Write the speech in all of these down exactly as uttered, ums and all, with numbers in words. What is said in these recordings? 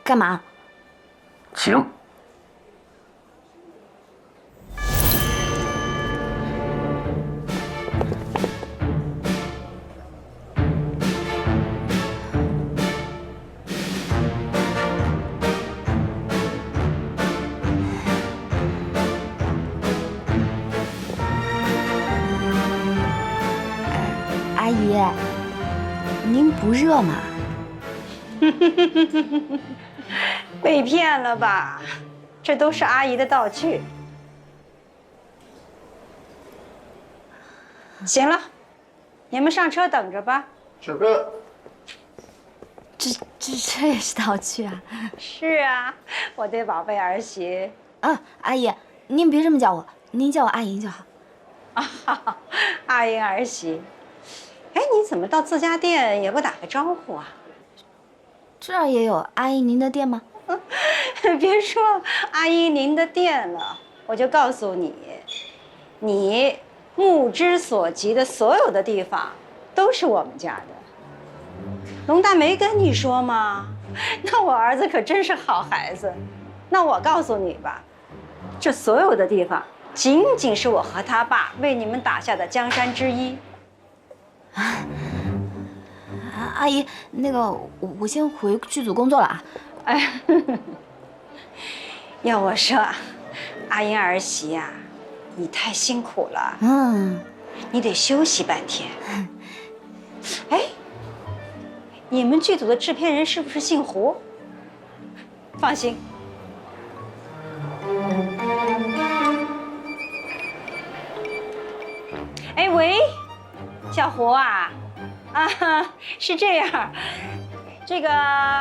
干嘛？ 请。 阿姨，您不热吗？ 被骗了吧？这都是阿姨的道具。行了，你们上车等着吧。 小哥， 这这这也是道具啊？ 是啊，我的宝贝儿媳。 啊，阿姨，您别这么叫我，您叫我阿莹就好。 啊，阿英儿媳。哎，你怎么到自家店也不打个招呼啊？ 这儿也有阿姨您的店吗？ 别说阿姨您的店了，我就告诉你，你目之所及的所有的地方都是我们家的。龙大没跟你说吗？那我儿子可真是好孩子。那我告诉你吧，这所有的地方仅仅是我和他爸为你们打下的江山之一。 啊，阿姨，那个我我先回剧组工作了啊。 哎，要我说，阿英儿媳呀、啊，你太辛苦了， 嗯， 你得休息半天。哎，你们剧组的制片人是不是姓胡？放心。哎喂，小胡啊，啊，是这样，这个。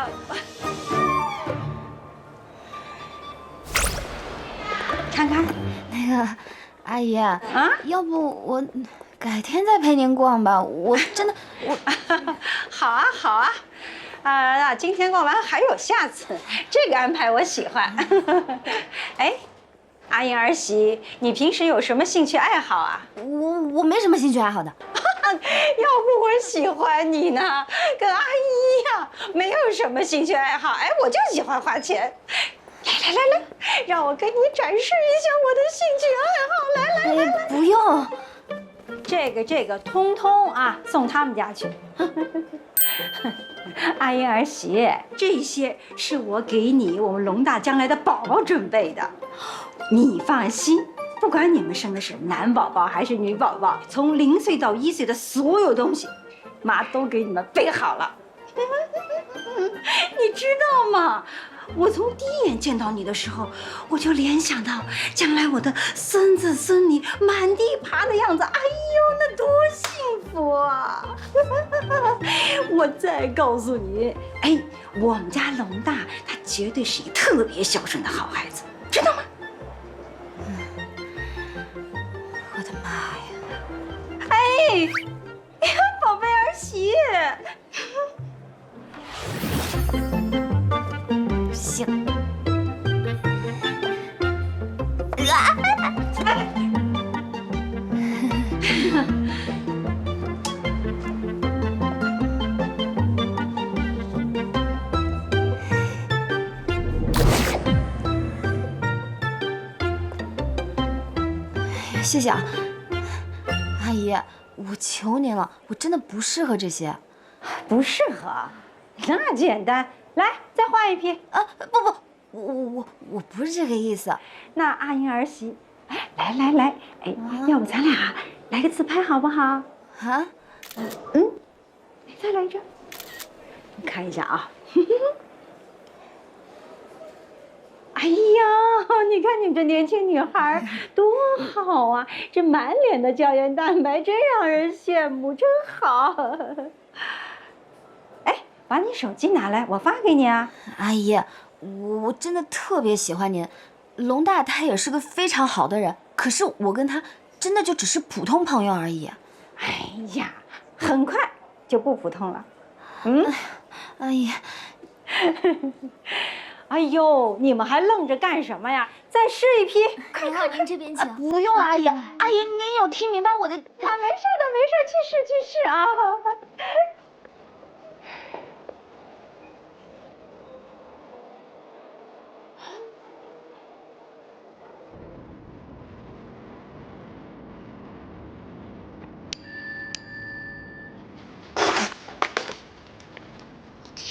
看看， 那个阿姨啊， 啊要不我改天再陪您逛吧？我真的我好啊好啊，啊，今天逛完还有下次，这个安排我喜欢。哎，阿英儿媳，你平时有什么兴趣爱好啊？ 我我没什么兴趣爱好的。 要不我喜欢你呢，跟阿姨一样，没有什么兴趣爱好。哎，我就喜欢花钱。来来来来，让我给你展示一下我的兴趣爱好。来来来来， 不用， 这个这个通通啊，送他们家去。阿英儿媳，这些是我给你我们龙大将来的宝宝准备的，你放心。不管你们生的是男宝宝还是女宝宝，从零岁到一岁的所有东西，妈都给你们备好了。你知道吗？我从第一眼见到你的时候，我就联想到将来我的孙子孙女满地爬的样子。哎呦，那多幸福啊！我再告诉你，哎，我们家龙大他绝对是一个特别孝顺的好孩子，知道吗？ 我的妈呀！ 哎，宝贝儿媳。 行。谢谢啊，阿姨，我求您了，我真的不适合这些。 不适合？那简单，来，再换一批。 啊，不不，我我我我不是这个意思。 那阿英儿媳，哎，来来来，哎，要不咱俩来个自拍好不好？ 啊？ 嗯，再来一张，你看一下啊。哎呀，你看你们这年轻女孩多好啊！这满脸的胶原蛋白，真让人羡慕，真好。哎，把你手机拿来，我发给你啊。 阿姨，我我真的特别喜欢您，龙大他也是个非常好的人，可是我跟他真的就只是普通朋友而已。 哎呀，很快就不普通了。嗯， 阿姨。 哎呦，你们还愣着干什么呀？再试一批， 快快，您这边请。啊、 不用，阿姨，阿姨您有听明白我的？啊，没事的， 没事，去试去试啊。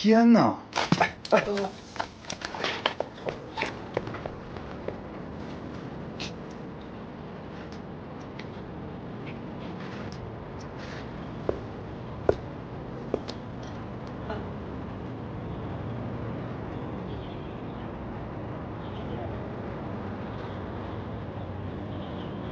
天哪！哎哎，